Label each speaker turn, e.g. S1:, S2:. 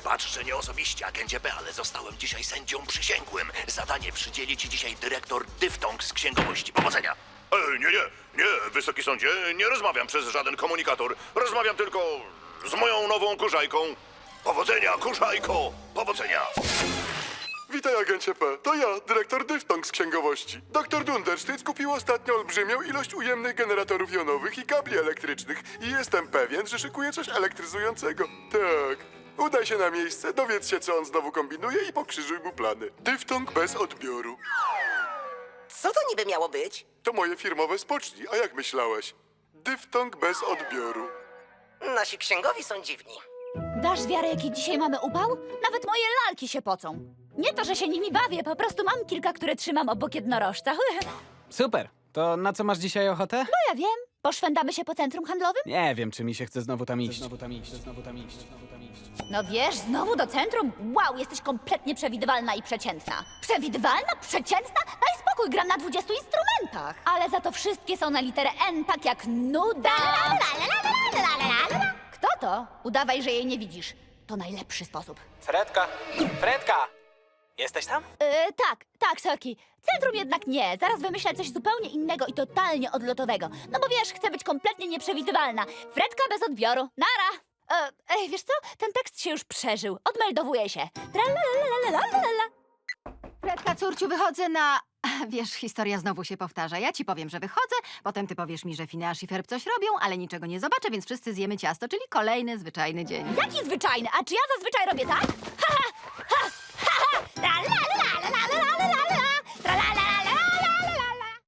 S1: Wybacz, że nie osobiście, agencie B, ale zostałem dzisiaj sędzią przysięgłym. Zadanie przydzieli ci dzisiaj dyrektor Dyftong z księgowości. Powodzenia! Nie, wysoki sądzie, nie rozmawiam przez żaden komunikator. Rozmawiam tylko z moją nową kurzajką. Powodzenia, kurzajko! Powodzenia!
S2: Witaj, agencie P. To ja, dyrektor Dyftong z księgowości. Doktor Dundersztyc kupił ostatnio olbrzymią ilość ujemnych generatorów jonowych i kabli elektrycznych i jestem pewien, że szykuje coś elektryzującego. Tak. Udaj się na miejsce, dowiedz się, co on znowu kombinuje i pokrzyżuj mu plany. Dyftong bez odbioru.
S3: Co to niby miało być?
S2: To moje firmowe spocznij, a jak myślałeś? Dyftong bez odbioru.
S3: Nasi księgowi są dziwni.
S4: Dasz wiarę, jaki dzisiaj mamy upał? Nawet moje lalki się pocą. Nie to, że się nimi bawię, po prostu mam kilka, które trzymam obok jednorożca.
S5: Super. To na co masz dzisiaj ochotę?
S4: No ja wiem. Poszwędamy się po centrum handlowym?
S5: Nie wiem, czy mi się chce znowu tam iść.
S4: No wiesz, znowu do centrum? Wow, jesteś kompletnie przewidywalna i przeciętna. Przewidywalna? Przeciętna? Daj spokój, gram na 20 instrumentach. Ale za to wszystkie są na literę N, tak jak nuda. Kto to? Udawaj, że jej nie widzisz. To najlepszy sposób.
S5: Fredka! Jesteś tam?
S4: Tak, sorki. Centrum jednak nie. Zaraz wymyślę coś zupełnie innego i totalnie odlotowego. No bo wiesz, chcę być kompletnie nieprzewidywalna. Fredka bez odbioru. Nara! Wiesz co? Ten tekst się już przeżył. Odmeldowuję się. Tralalalalalalala.
S6: Fredka, córciu, wychodzę na... Wiesz, historia znowu się powtarza. Ja ci powiem, że wychodzę, potem ty powiesz mi, że Phineas i Ferb coś robią, ale niczego nie zobaczę, więc wszyscy zjemy ciasto, czyli kolejny zwyczajny dzień.
S4: Jaki zwyczajny? A czy ja zazwyczaj robię tak? Haha!